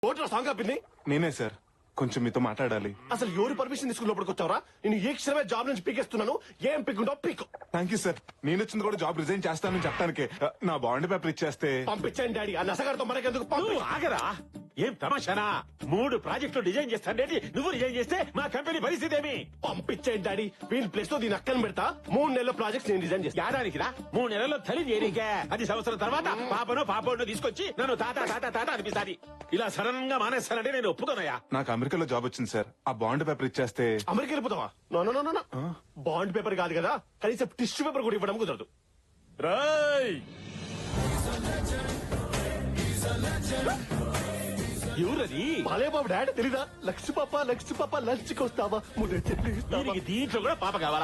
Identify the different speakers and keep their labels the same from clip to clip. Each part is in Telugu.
Speaker 1: ఓట్లో సాంగ్ ఆపింది
Speaker 2: నేనే సార్, కొంచెం మీతో మాట్లాడాలి.
Speaker 1: అసలు ఎవరు పర్మిషన్ తీసుకుని లోపలికి వచ్చావరా? నేను ఏ క్షణమే జాబ్ నుంచి పీకేస్తున్నాను. ఏం పీకుంటావు పీకు.
Speaker 2: Thank you sir. నేను వచ్చింది కూడా జాబ్ రిజైన్ చేస్తానని చెప్పడానికి. నా బాండ్ పేపర్ ఇచ్చేస్తే
Speaker 1: పంపించండి డాడీ. ఆ నసగారితో మనకెందుకు?
Speaker 3: నువ్వు ఆగరా? ఏం తమాషానా? 3 ప్రాజెక్టులు డిజైన్ చేస్తాడేంటి? నువ్వు డిజైన్ చేస్తే మా కంపెనీ పరిస్థితి ఏమి?
Speaker 1: పంపించండి డాడీ. వీళ్ళ ప్లేస్ లో దీని అక్కని పెడతా. 3 నెలల ప్రాజెక్ట్స్ నేను డిజైన్ చేస్తా.
Speaker 3: ఏడానికి రా? 3 నెలల్లో తల్లి చేరికే. అది సంవత్సరం తర్వాత పాపనో పాపోనో తీసుకొచ్చి నన్ను తాత తాత తాత అనిపిస్తాది. ఇలా సడన్ గా మానేస్తానంటే నేను ఒప్పుకోనయా.
Speaker 2: నాకు అమెరికాలో జాబ్ వచ్చింది సార్. ఆ బాండ్ పేపర్ ఇచ్చేస్తే
Speaker 1: అమెరికా వెళ్ళిపోతావా? No no no no. Bond paper కాదు కదా, కనీసం టిష్యూ పేపర్ కూడా ఇవ్వడం కుదరదు.
Speaker 3: రాయ్ ఎవరది?
Speaker 1: బాలే బాబు డాడీ తెలీదా? లక్ష్మి పాప లంచ్ కి వస్తావా? ముద్ద చెట్లు ఇస్తావా?
Speaker 3: దీనికి దీంట్లో కూడా పాప కావాలా?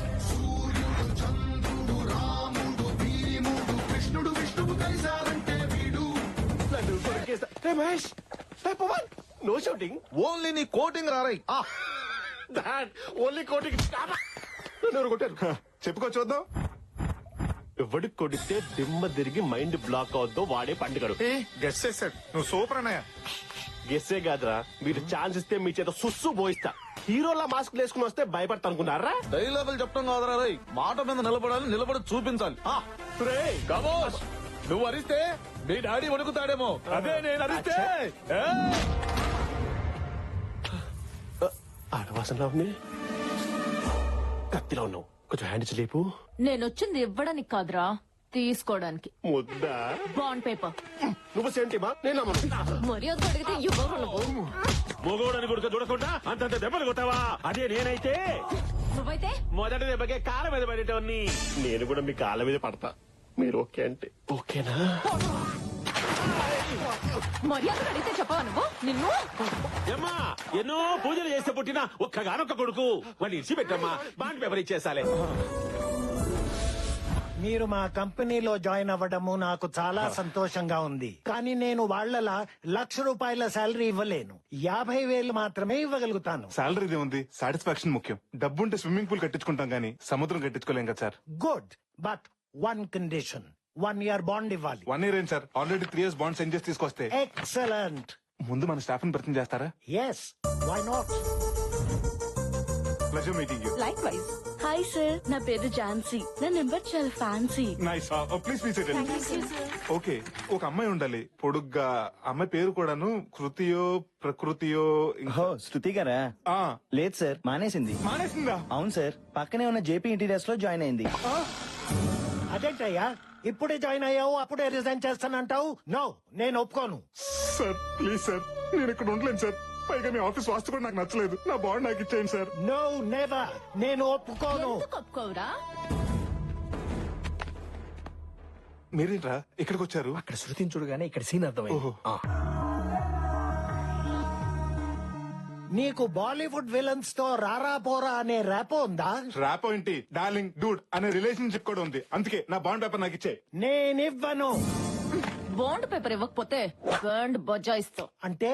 Speaker 1: నన్ను కొరికేస్తా. Hey Mahesh, hey Pawan, no shooting.
Speaker 4: Only నీ కోటింగ్ రారై.
Speaker 1: డాడ్ ఓన్లీ కోటింగ్. నన్ను ఎవరు కొట్టారు?
Speaker 2: చెప్పుకో చూద్దాం.
Speaker 1: ఎవడు కొడితే దిమ్మ తిరిగి మైండ్ బ్లాక్ అవుద్దో వాడే పండుగడు.
Speaker 4: గెస్ చేశాడు. నువ్వు సూపర్ అన్నయ్య.
Speaker 1: గెస్సే కాదురా, మీరు ఛాన్స్ ఇస్తే మీ చేత సుస్సు పోయిస్తా. హీరోలా మాస్క్ వేసుకుని వస్తే భయపడతా అనుకున్నారా?
Speaker 4: డైలాగులు చెప్పడం కాదురా రై, మాట మీద నిలబడాలి, నిలబడి చూపించాలి.
Speaker 1: రేయ్,
Speaker 4: కమోష్, నువ్వు అరిస్తే మీ డాడీ వణుకుతాడేమో. అదే నేను అరిస్తే
Speaker 1: ఆడవాసనలో ఉంది. కత్తిలో ఉన్నావు, కొంచెం హ్యాండ్ లేపు.
Speaker 5: నేనొచ్చింది ఇవ్వడానికి కాదురా, తీసుకోవడానికి.
Speaker 1: ముద్దా
Speaker 5: బాండ్ పేపర్.
Speaker 1: నువ్వు సెంటిమా? నేను నమ్మను.
Speaker 5: మర్యాద అడిగితే ఇవ్వరు నువ్వు.
Speaker 3: మొగోడని గుడక చూడకుండా అంతంత దెబ్బలు కొట్టావా? అదే నేనైతే
Speaker 5: నువ్వైతే
Speaker 3: మొదటి దెబ్బకే కాళ్ళ మీద పడేటవన్నీ.
Speaker 1: నేను కూడా మీ కాళ్ళ మీద పడతా. మీరు ఓకే అంటే ఓకేనా?
Speaker 5: మర్యాద అడిగితే చెప్పవా నువ్వు? నిన్ను
Speaker 3: ఏమ్మా, ఎన్నో పూజలు చేస్తే పుట్టిన ఒక్కగానొక్క కొడుకు వాడిని ఇచ్చిపెట్టమ్మా. Bond paper ఇచ్చేసాలే.
Speaker 6: మీరు మా కంపెనీలో జాయిన్ అవ్వడము నాకు చాలా సంతోషంగా ఉంది. కానీ నేను వాళ్ళలా ₹1,00,000 శాలరీ ఇవ్వలేను. 50,000 మాత్రమే ఇవ్వగలుగుతాను.
Speaker 2: శాలరీదే ఉంది, సాటిస్ఫాక్షన్ ముఖ్యం. డబ్బుంటే స్విమ్మింగ్ పూల్ కట్టించుకుంటాం గానీ సముద్రం కట్టించుకోలేం కదా sir.
Speaker 6: Good, but 1 condition. 1 year bond ఇవ్వాలి.
Speaker 2: 1 year ఏం sir, already 3 years bond send చేసి తీసుకొస్తే.
Speaker 6: ఎక్సలెంట్.
Speaker 2: ముందు మన స్టాఫ్ ని పరిచయం చేస్తారా?
Speaker 6: Yes, why not?
Speaker 2: Pleasure meeting you.
Speaker 5: Like wise.
Speaker 7: Hi sir, నా పేరు ఝాన్సీ. నా నెంబర్ చాలా fancy.
Speaker 2: Nice. Please please. Okay, ఒక అమ్మాయి ఉండాలి పొడుగ్గా. అమ్మాయి పేరు కూడాను కృతియో ప్రకృతియో.
Speaker 8: ఓ, శృతి గారా?
Speaker 2: ఆ,
Speaker 8: లేదు సార్, మానేసింది.
Speaker 2: మానేసిందా?
Speaker 8: అవును సార్, పక్కనే ఉన్న జేపీ ఇంటీరియర్స్ లో జాయిన్ అయింది.
Speaker 6: అదేంటయ్యా, ఇప్పుడే జాయిన్ అయ్యావు అప్పుడే రిజైన్ చేస్తానంటావు? నో, నేను ఒప్పుకోను.
Speaker 2: సార్ ప్లీజ్ సార్, నేను ఇక్కడ ఉండలేను సార్. పైగా మీ ఆఫీస్ వాస్తు కూడా నాకు నచ్చలేదు. నా బాండ్ నాకు ఇచ్చేయండి సార్.
Speaker 6: No, never. నేను ఒప్పుకోను.
Speaker 5: ఎందుకు ఒప్పుకోవురా?
Speaker 2: మీరేంట్రా ఇక్కడికి వచ్చారు?
Speaker 4: అక్కడ శృతిని చూడగానే ఇక్కడ సీన్ అర్థమైంది.
Speaker 2: ఓహో.
Speaker 6: నీకు బాలీవుడ్ విలన్స్ తో రారా పోరా అనే ర్యాపో ఉందా?
Speaker 2: ర్యాపో ఏంటి, డార్లింగ్ డూడ్ అనే రిలేషన్షిప్ కూడా ఉంది. అందుకే నా బాండ్ పేపర్ నాకు ఇచ్చే.
Speaker 6: నేనివ్వను.
Speaker 5: బాండ్ పేపర్ ఇవ్వకపోతే బాండ్ బజాయిస్తావు.
Speaker 6: అంటే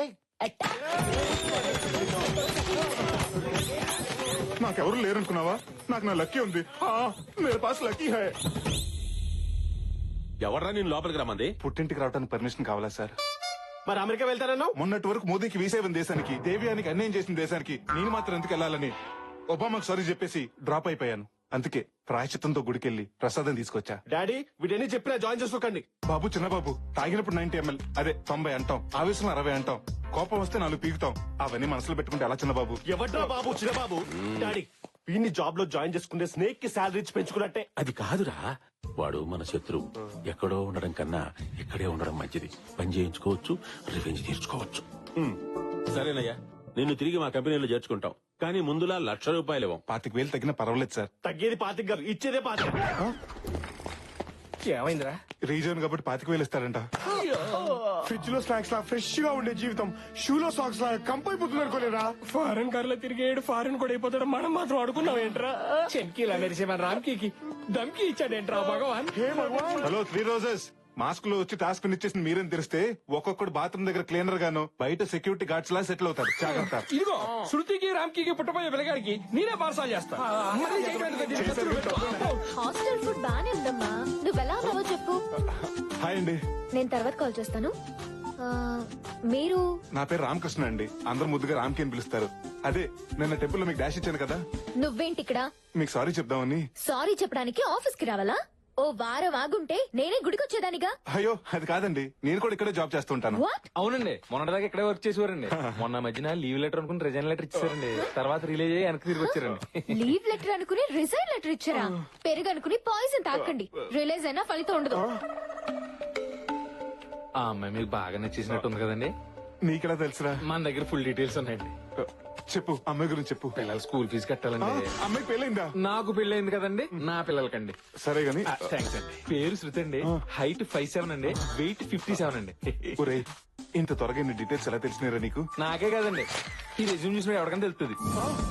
Speaker 2: నాకెవరు లేరనుకున్నావా? నాకు నా లక్కీ ఉంది. మేరే పాస్ లక్కీ హై.
Speaker 3: ఎవర్రా నేను లోపలికి రమ్మంది?
Speaker 2: పుట్టింటికి రావడానికి పర్మిషన్ కావాలా సార్?
Speaker 1: మరి అమెరికా వెళ్తారన్నావు?
Speaker 2: మొన్నటి వరకు మోదీకి వీసా ఇవ్వని దేశానికి, దేవ్యానికి అన్యాయం చేసిన దేశానికి నేను మాత్రం ఎందుకు వెళ్ళాలని ఒబామాకు సారీ చెప్పేసి డ్రాప్ అయిపోయాను. అందుకే ప్రాయశ్చిత్తంతో గుడికెళ్ళి ప్రసాదం తీసుకొచ్చా.
Speaker 1: డాడీ వీటన్ని చెప్పినా జాయిన్ చేసుకోకండి.
Speaker 2: బాబు చిన్నబాబు, తాగినప్పుడు 90 ml, అదే 90 అంటాం. ఆవేశం 60 అంటాం. కోపం వస్తే 4 పీకుతాం. అవన్నీ మనసులో పెట్టుకుంటే ఎలా చిన్నబాబు?
Speaker 1: ఎవడ్రా బాబు చిన్నబాబు? డాడీ వీడిని జాబ్ లో జాయిన్ చేసుకుంటే స్నేక్ కి శాలరీ ఇచ్చి పెంచుకున్నట్టే.
Speaker 3: అది కాదురా, వాడు మన శత్రువు. ఎక్కడో ఉండడం కన్నా ఇక్కడే ఉండడం మంచిది. పని చేయించుకోవచ్చు, రివెంజ్ తీర్చుకోవచ్చు. సరేనయ్యా, నిన్ను తిరిగి మా కంపెనీలో చేర్చుకుంటాం. కానీ ముందులా ₹1,00,000 ఇవ్వం.
Speaker 2: 25,000 తగ్గినా పర్వాలేదు సార్.
Speaker 1: తగ్గేది 25 గారు, ఇచ్చేదే 25.
Speaker 4: ఏమైందిరా?
Speaker 2: రీజన్ కాబట్టి 25,000 ఇస్తారంట.
Speaker 1: ఫ్రిడ్జ్ లో స్నాక్స్ లా ఫ్రెష్ గా ఉండే జీవితం షూలో సాక్స్ లా కంపైపోతుంది అనుకోలేరా?
Speaker 9: ఫారెన్ కార్ లో తిరిగేడు ఫారెన్ కూడా అయిపోతాడు. మనం మాత్రం అడుగున్నాం ఏంట్రా? చెంకీలా మెరిసే మన రామ్కీకి దమ్కి ఇచ్చాడేంట్రా భగవాన్?
Speaker 2: Hello 3 roses. మాస్క్ లో వచ్చి టాస్క్ ఇచ్చేసింది మీరేం తెలిస్తే ఒక్కొక్కడు బాత్రూమ్ దగ్గర క్లీనర్ గాను బయట సెక్యూరిటీ గార్డ్స్ లా సెటిల్ అవుతారు. జాగ్రత్త.
Speaker 9: ఇదిగో శృతికి రామ్కీకి పుట్టపోయే పిల్లగాడికి నేనే పార్సల్ చేస్తా.
Speaker 7: హాస్టల్ ఫుడ్ బానే ఉందమ్మా. నువ్వెలా ఉన్నావో చెప్పు.
Speaker 2: హాయ్ అండి.
Speaker 7: నేను తర్వాత కాల్ చేస్తాను. మీరు
Speaker 2: నా పేరు రామకృష్ణ అండి, అందరూ ముద్దుగా రామ్కి అని పిలుస్తారు. అదే నిన్న టెంపుల్ లో మీకు డాష్ ఇచ్చాను కదా,
Speaker 7: నువ్వేంటి ఇక్కడ?
Speaker 2: మీకు సారీ చెప్దామని.
Speaker 7: సారీ చెప్పడానికి ఆఫీస్ కి రావాలా? ఓ వారం ఆగుంటే నేనే గుడికి వచ్చేదానిగా.
Speaker 2: అయ్యో అది కాదండి, నేను కూడా ఇక్కడే జాబ్ చేస్తుంటాను.
Speaker 7: వాట్?
Speaker 4: అవునండి, మొన్నటిదాకా ఇక్కడే వర్క్ చేసేవారండి. మొన్న మధ్యన లీవ్ లెటర్ అనుకుని రిజైన్ లెటర్ ఇచ్చారండి. తర్వాత రిలీజ్ అయ్యి వెనక్కి తిరిగి వచ్చారండి.
Speaker 7: లీవ్ లెటర్ అనుకుని రిజైన్ లెటర్ ఇచ్చారా? పెరుగు అనుకుని పాయిజన్ తాకండి, రిలీజ్ అయినా ఫలితం ఉండదు.
Speaker 4: ఆ అమ్మాయి మీకు బాగా నచ్చేసినట్టు ఉంది కదండి.
Speaker 2: నీకెలా తెలుసురా?
Speaker 4: మన దగ్గర ఫుల్ డీటెయిల్స్ ఉన్నాయండి.
Speaker 2: చెప్పు, అమ్మాయి గురించి చెప్పు.
Speaker 4: పిల్లల స్కూల్ ఫీజు కట్టాలండి.
Speaker 2: అమ్మాయికి పెళ్ళైందా?
Speaker 4: నాకు పెళ్ళయింది కదండి, నా పిల్లలకండి.
Speaker 2: సరే గాని
Speaker 4: థ్యాంక్స్ అండి. పేరు శృతి అండి, హైట్ 5'7" అండి, వెయిట్ 57 అండి.
Speaker 2: ఒరేయ్, ఇంత త్వరగా ఇన్ని డీటెయిల్స్ ఎలా తెలిసినారా నీకు?
Speaker 4: నాకే కదండి, ఈ రెజ్యూమ్ చూసిన ఎవరికైనా తెలుస్తుంది.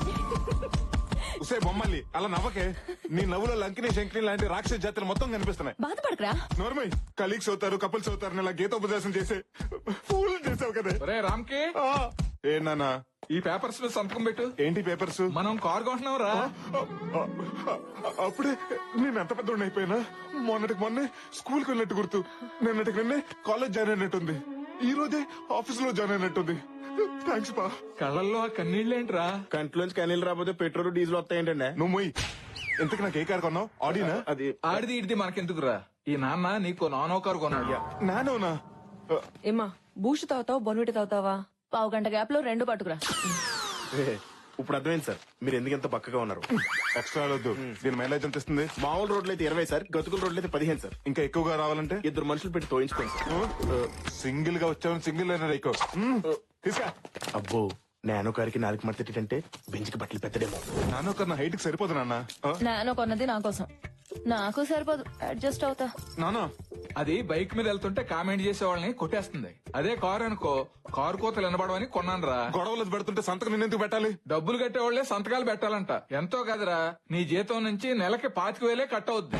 Speaker 2: ఉసే బొమ్మల్లి అలా నవ్వకే. నీ నవ్వులో లంకిని శంకిని లాంటి రాక్షస జాతులు మొత్తం కనిపిస్తున్నాయి.
Speaker 5: బాధపడకరా.
Speaker 2: నోర్మై, కలీగ్స్ అవుతారు, కపుల్స్ అవుతారు, ఇలా గీతోపదేశం చేసే ఫూల్ చేసావు కదా.
Speaker 4: ఒరే రామ్కి,
Speaker 2: ఏ నానా,
Speaker 4: ఈ పేపర్స్ లో సంతకం పెట్టు.
Speaker 2: ఏంటి పేపర్స్?
Speaker 4: మనం కార్ కొంటున్నాం రా.
Speaker 2: అప్పుడే నేను ఎంత పెద్ద అయిపోయినా. మొన్నటికి మొన్నే స్కూల్ కి వెళ్ళినట్టు గుర్తు, నిన్నటికి నిన్నే కాలేజ్ జాయిన్ అయినట్టుంది, ఈ రోజే ఆఫీస్ లో జాయిన్ అయినట్టుంది. థ్యాంక్స్ పా.
Speaker 4: కళ్ళల్లో ఆ కన్నీళ్ళేంట్రా?
Speaker 1: కంట్లోంచి కనీళ్ళు రాకపోతే పెట్రోల్ డీజిల్ వస్తాయంటండి.
Speaker 2: నువ్వు మొయ్. ఇంతకు నాకు ఏ కారు కొన్నావు? ఆడినా?
Speaker 1: అది
Speaker 4: ఆడిది ఇడిది మనకెందుకురా, ఈ నాన్న నీకు నానో కారు కొన్నాడు.
Speaker 2: నానోనా?
Speaker 5: ఏమా బూస్ట్ తాగుతావా బొన్విటి తాగుతావా? పావు గంట గ్యాప్ లో 2 పట్టుకురా.
Speaker 1: ఇప్పుడు అర్థమైంది సార్ మీరు ఎందుకు ఎంత పక్కగా ఉన్నారు.
Speaker 2: ఎక్స్ట్రా వద్దు. దీని మైలేజ్ ఎంత ఇస్తుంది?
Speaker 1: మామూలు రోడ్లు అయితే 20 సార్, గతుకుల రోడ్లు అయితే 15 సార్.
Speaker 2: ఇంకా ఎక్కువగా రావాలంటే
Speaker 1: 2 మనుషులు పెట్టి తోయించుకోండి సార్.
Speaker 2: సింగిల్ గా వచ్చావని సింగిల్ అయినా ఎక్కువ తీసుకా.
Speaker 1: అబ్బో నానో కారికి 4 మడతేటంటే బెంచ్కి బట్టలు పెద్దడేమో.
Speaker 2: నాన్న ఒక హైట్ కి సరిపోదు నాన్న.
Speaker 5: నానో కొన్నది నా కోసం, నాకు సరిపోదు, అడ్జస్ట్ అవుతా.
Speaker 2: నాన్న
Speaker 4: అది బైక్ మీద వెళ్తుంటే కామెంట్ చేసే వాళ్ళని కొట్టేస్తుంది. అదే కారు అనుకో, కారు కోతలు వినబడవని కొన్నాను రా.
Speaker 2: గొడవలు పెడుతుంటే సంతకం నిన్నెందుకు పెట్టాలి?
Speaker 4: డబ్బులు కట్టేవాళ్లే సంతకాలు పెట్టాలంట. ఎంతో కదరా, నీ జీతం నుంచి నెలకి 25,000 కట్ అవుద్ది.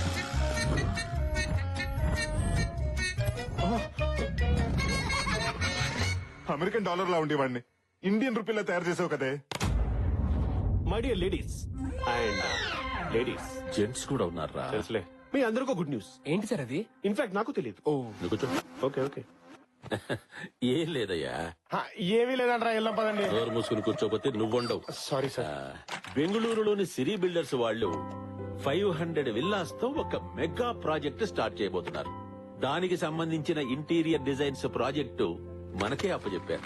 Speaker 2: అమెరికన్ డాలర్ లా ఉండేవాడిని ఇండియన్ రూపీలా తయారు చేసావు కదే.
Speaker 1: My dear ladies and ladies
Speaker 3: gents కూడా ఉన్నారా?
Speaker 1: తెలుసులే, మీ అందరికీ గుడ్ న్యూస్.
Speaker 9: ఏంటి సార్ అది?
Speaker 1: ఇన్ఫాక్ట్ నాకు తెలియదు.
Speaker 3: నువ్వు కూర్చో.
Speaker 1: Okay okay.
Speaker 3: ఏం లేదయ్యా,
Speaker 1: ఏమీ లేదంటారా, వెళ్ళం పదండి.
Speaker 3: డోర్ మూసుకుని కూర్చోపోతే నువ్వుండవు.
Speaker 1: Sorry sir.
Speaker 3: బెంగళూరులోని సిరి బిల్డర్స్ వాళ్ళు 500 విల్లాస్ తో ఒక మెగా ప్రాజెక్ట్ స్టార్ట్ చేయబోతున్నారు. దానికి సంబంధించిన ఇంటీరియర్ డిజైన్స్ ప్రాజెక్టు మనకే అప్పచెప్పారు.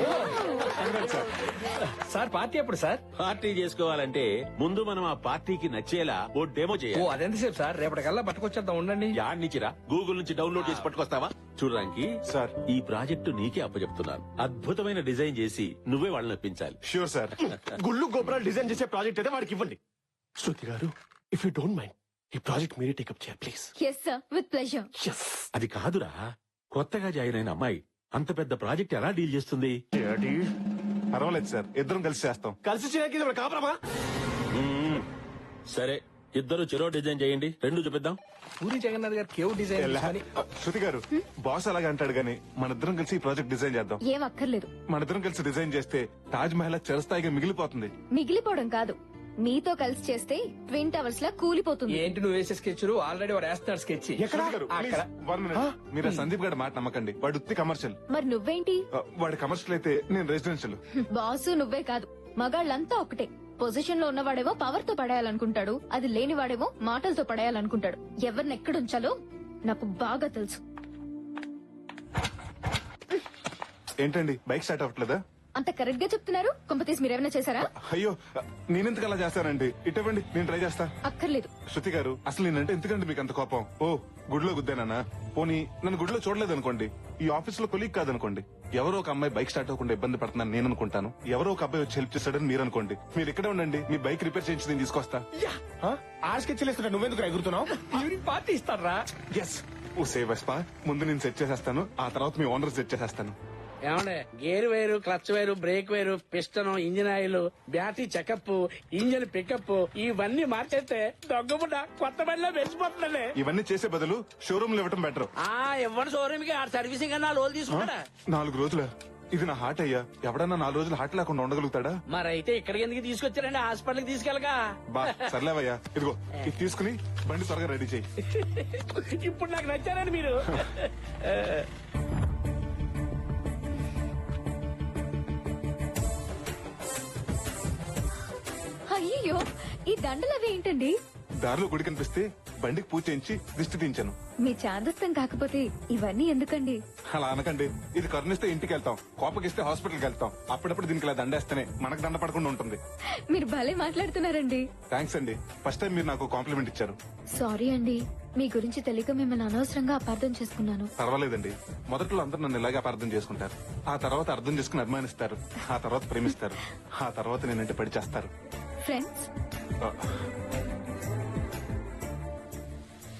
Speaker 9: సార్ పార్టీ ఎప్పుడు సార్?
Speaker 3: పార్టీ చేసుకోవాలంటే ముందు మనం ఆ పార్టీకి నచ్చేలా ఓ డెమో
Speaker 9: ఓ
Speaker 3: చేయాలి.
Speaker 9: అదెంతసేపు సార్? రేపటికల్లా పట్టుకొచ్చేద్దాం, ఉండండి.
Speaker 3: యాడ్నిచ్చిరా, గూగుల్ నుంచి డౌన్లోడ్ చేసి పట్టుకొస్తావా? చూడడానికి
Speaker 2: సార్.
Speaker 3: ఈ ప్రాజెక్టు నీకే అప్పచెప్తున్నాను. అద్భుతమైన డిజైన్ చేసి నువ్వే వాళ్ళని ఒప్పించాలి.
Speaker 2: Sure sir.
Speaker 1: గుళ్ళు గోపురాలు డిజైన్ చేసే ప్రాజెక్ట్ అయితే వాడికి ఇవ్వండి. Shruti garu, if you don't mind ఈ ప్రాజెక్ట్ మీరే టేకప్ చేయాలి please.
Speaker 7: Yes sir, with pleasure.
Speaker 3: అది కాదురా, కొత్తగా జాయిన్ అయిన అమ్మాయి అంత పెద్ద ప్రాజెక్ట్ ఎలా డీల్ చేస్తుంది?
Speaker 2: పర్వాలేదు సార్, ఇద్దరం కలిసి చేస్తాం.
Speaker 1: కలిసి చేయడానికి ఇది కాపురమా?
Speaker 3: సరే, ఇద్దరు చెరో డిజైన్ చేయండి, 2 చూపిద్దాం.
Speaker 9: పూరి జగన్నాథ్ గారు కేవ్ డిజైన్ అని.
Speaker 2: శృతి గారు, బాస్ అలాగే అంటాడు గానీ మన ఇద్దరం కలిసి ఈ ప్రాజెక్ట్ డిజైన్ చేద్దాం.
Speaker 7: ఏం అక్కర్లేదు.
Speaker 2: మన ఇద్దరం కలిసి డిజైన్ చేస్తే తాజ్ మహల్ చిరస్థాయిగా మిగిలిపోతుంది.
Speaker 7: మిగిలిపోవడం కాదు, మీతో కలిసి చేస్తే ట్విన్ టవర్స్ లా కూలిపోతుంది.
Speaker 9: ఏంటి నువ్వు వేసే స్కెచ్లు? ఆల్రెడీ వాడు వేస్తున్నాడు స్కెచ్.
Speaker 2: శృతి గారు, please, one minute. మీరు ఆ సందీప్ గారి మాట నమ్మకండి, వాడు ఉత్తి కమర్షియల్.
Speaker 7: మరి నువ్వేంటి?
Speaker 2: వాడి కమర్షియల్ అయితే నేను రెసిడెన్షియల్.
Speaker 7: బాసు నువ్వే కాదు, మగాళ్ళంతా ఒకటే. పొజిషన్ లో ఉన్నవాడేమో పవర్ తో పడేయాలనుకుంటాడు, అది లేనివాడేమో మాటలతో పడేయాలనుకుంటాడు. ఎవరిని ఎక్కడుంచాలో నాకు బాగా తెలుసు.
Speaker 2: ఏంటండి బైక్ స్టార్ట్ అవ్వట్లేదా?
Speaker 7: అంత కరెక్ట్ గా చెప్తున్నారు. కొంపతీసి మీరేమైనా చేశారా?
Speaker 2: అయ్యో, నేనెందుకు అలా చేస్తానండి? ఇటువంటి నేను ట్రై చేస్తా.
Speaker 7: అక్కర్లేదు.
Speaker 2: శృతి గారు, అసలు నేనంటే ఎందుకండి మీకు అంత కోపం? ఓ గుడిలో గుద్దానా? పోనీ నన్ను గుడిలో చూడలేదు అనుకోండి, ఈ ఆఫీస్ లో కొలీగ్ కాదనుకోండి, ఎవరో ఒక అమ్మాయి బైక్ స్టార్ట్ అవ్వకుండా ఇబ్బంది పడుతున్నాను నేను అనుకుంటాను, ఎవరో ఒక అబ్బాయి వచ్చి హెల్ప్ చేస్తాడని మీరు అనుకోండి. మీరు ఇక్కడే ఉండండి, మీ బైక్ రిపేర్ చేయించి నేను తీసుకొస్తా.
Speaker 1: ఆ స్కెచ్లు ఇస్తున్నా, నువ్వెందుకు ఎగురుతున్నావు?
Speaker 9: ఈవినింగ్ పార్టీ ఇస్తారా?
Speaker 2: ఎస్. ఓ సేవస్పా, ముందు నేను సెట్ చేసేస్తాను, ఆ తర్వాత మీ ఓనర్ సెట్ చేసేస్తాను.
Speaker 10: ఏమండే, gear wire, clutch wire, brake wire, piston, engine oil, battery checkup, engine pickup ఇవన్నీ మార్చేస్తే దొంగబుడ్డ కొత్త బండిలో మెరిసిపోతుందండి.
Speaker 2: ఇవన్నీ చేసే బదులు షోరూమ్ లో ఇవ్వటం బెటర్.
Speaker 10: ఇవ్వండి షోరూమ్ కి, ఆ సర్వీసింగ్ అన్నా లోన్ తీసుకుంటాడా?
Speaker 2: 4 రోజుల ఇది నా హార్ట్ అయ్యా, ఎవడన్నా 4 రోజులు హార్ట్ లేకుండా ఉండగలుగుతాడా?
Speaker 10: మరైతే ఇక్కడికి ఎందుకు తీసుకొచ్చారండి? హాస్పిటల్ కి తీసుకెళ్ళగా.
Speaker 2: బా సర్లేవయ్యా, ఇదిగో ఇది తీసుకుని బండి త్వరగా రెడీ చేయి.
Speaker 10: ఇప్పుడు నాకు నచ్చారండి మీరు.
Speaker 7: అయ్యో ఈ దండలు అవి ఏంటండి?
Speaker 2: దారిలో గుడి కనిపిస్తే బండికి పూజ చేయించి దిష్టి తీయించాను.
Speaker 7: మీ చాదస్తం కాకపోతే ఇవన్నీ ఎందుకండి?
Speaker 2: అలా అనకండి. ఇది కరుణిస్తే ఇంటికి వెళ్తాం, కోపగిస్తే హాస్పిటల్కి వెళ్తాం. అప్పుడప్పుడు దీనికి ఇలా దండేస్తేనే మనకు దండ పడకుండా ఉంటుంది.
Speaker 7: మీరు భలే మాట్లాడుతున్నారండి.
Speaker 2: థ్యాంక్స్ అండి. ఫస్ట్ టైం మీరు నాకు కాంప్లిమెంట్ ఇచ్చారు.
Speaker 7: సారీ అండి, మీ గురించి తెలియక మిమ్మల్ని అనవసరంగా అపార్థం చేసుకున్నాను.
Speaker 2: పర్వాలేదండి. మొదట్లో అందరూ నన్ను ఇలాగే అపార్థం చేసుకుంటారు. ఆ తర్వాత అర్థం చేసుకుని అభిమానిస్తారు. ఆ తర్వాత ప్రేమిస్తారు. ఆ తర్వాత నేనంటే పడి చేస్తారు.
Speaker 7: ఫ్రెండ్స్?